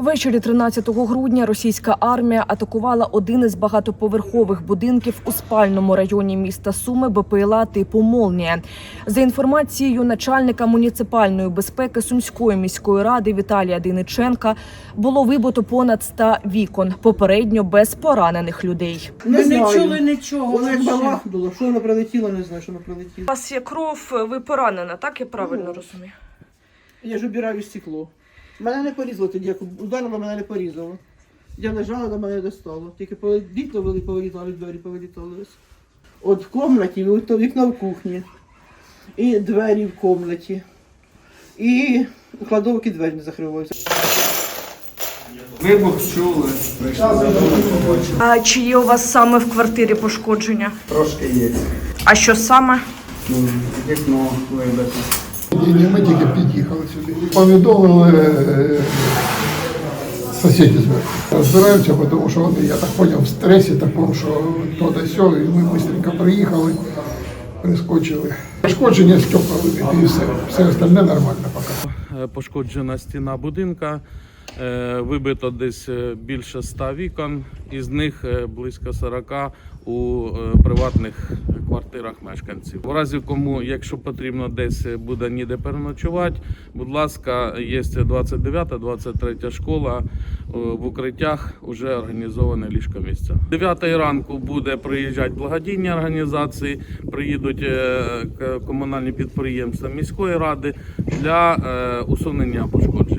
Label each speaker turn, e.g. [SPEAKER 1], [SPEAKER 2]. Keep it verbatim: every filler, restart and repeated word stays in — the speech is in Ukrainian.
[SPEAKER 1] Ввечері тринадцятого грудня російська армія атакувала один із багатоповерхових будинків у спальному районі міста Суми БПЛА типу «Молнія». За інформацією начальника муніципальної безпеки Сумської міської ради Віталія Дейниченка, було вибито понад ста вікон, попередньо без поранених людей.
[SPEAKER 2] Не,
[SPEAKER 3] не
[SPEAKER 2] не
[SPEAKER 3] чули нічого.
[SPEAKER 2] Воно як бабахнуло, що воно прилетіло, не знаю, що воно прилетіло.
[SPEAKER 1] У вас є кров, ви поранена, так я правильно
[SPEAKER 2] Ну.
[SPEAKER 1] розумію?
[SPEAKER 2] Я ж обираю стекло. Мене не порізало тоді, як ударило, мене не порізало. Я лежала, до мене достало. Тільки вікна вели, повилітали, двері повилітали. От в кімнаті, от вікно в кухні, і двері в кімнаті, і у кладовки двері не закриваються.
[SPEAKER 4] Вибух чули, прийшли.
[SPEAKER 1] А чи є у вас саме в квартирі пошкодження?
[SPEAKER 4] Трошки є.
[SPEAKER 1] А що саме?
[SPEAKER 4] Ну, вікно вибите.
[SPEAKER 5] Ні, ми тільки під'їхали сюди. Повідомили е, сусідів зверху. Розбираються, тому що вони, я так зрозумів, в стресі такому, що то да сьо, і ми швидко приїхали, прискочили. Пошкодження стекла вибиті і все. Все остальне нормально поки.
[SPEAKER 6] Пошкоджена стіна будинка, вибито десь більше ста вікон, із них близько сорока у приватних квартирах мешканців. У разі кому, якщо потрібно десь буде ніде переночувати, будь ласка, є двадцять дев'ята - двадцять третя школа, в укриттях вже організоване ліжко-місця. дев'ятої ранку буде приїжджати благодійні організації, приїдуть комунальні підприємства міської ради для усунення пошкоджень.